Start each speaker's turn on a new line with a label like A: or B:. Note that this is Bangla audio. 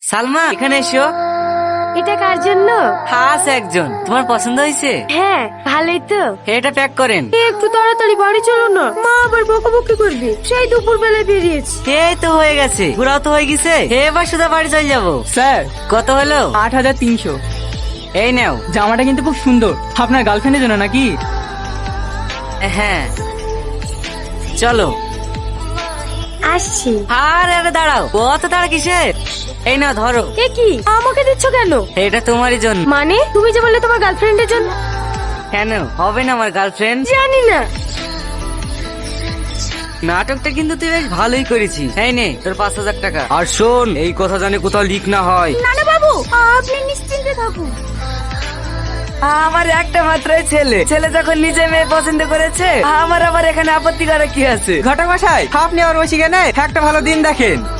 A: সালমা এখানে এসো।
B: এটা কার জন্য?
A: আছে একজন, তোমার পছন্দ হয়েছে?
B: হ্যাঁ, ভালোই তো।
A: এটা প্যাক করেন।
B: একটু তাড়াতাড়ি বাড়ি চলো না, মা আবার বকাবকি করবে। সেই দুপুর বেলায় বেরিয়েছি।
A: এই তো হয়ে গেছে, ঘোরাও তো হয়ে গেছে, এবার শুধু বাড়ি চলে যাবো।
C: স্যার,
A: কত হলো?
C: 8,300।
A: এই নাও।
C: জামাটা কিন্তু খুব সুন্দর, আপনার গার্লফ্রেন্ডের জন্য নাকি?
A: হ্যাঁ চলো।
B: আসছি।
A: আরে দাঁড়াও, কত তাড়া কিসের? এই নাও ধরো।
B: এ কি, আমাকে দিচ্ছ কেন?
A: এটা তোমারই জন্য।
B: মানে তুমি যে বললে তোমার গার্লফ্রেন্ডের জন্য।
A: কেন হবে না আমার গার্লফ্রেন্ড?
B: জানি না।
A: নাটকটা কিন্তু তুই বেশ ভালোই করেছিস। এই নে তোর 5,000 টাকা। আর শোন, এই কথা জানে কোথাও লিক না হয়।
B: না না বাবু, আপনি নিশ্চিন্তে থাকুন।
A: আমার একটা মাত্রই ছেলে, ছেলে যখন নিজে মেয়ে পছন্দ করেছে, আমার আবার এখানে আপত্তি করা কি আছে?
C: ঘটক মশাই, আপনি আর বসে কেন, একটা ভালো দিন দেখেন।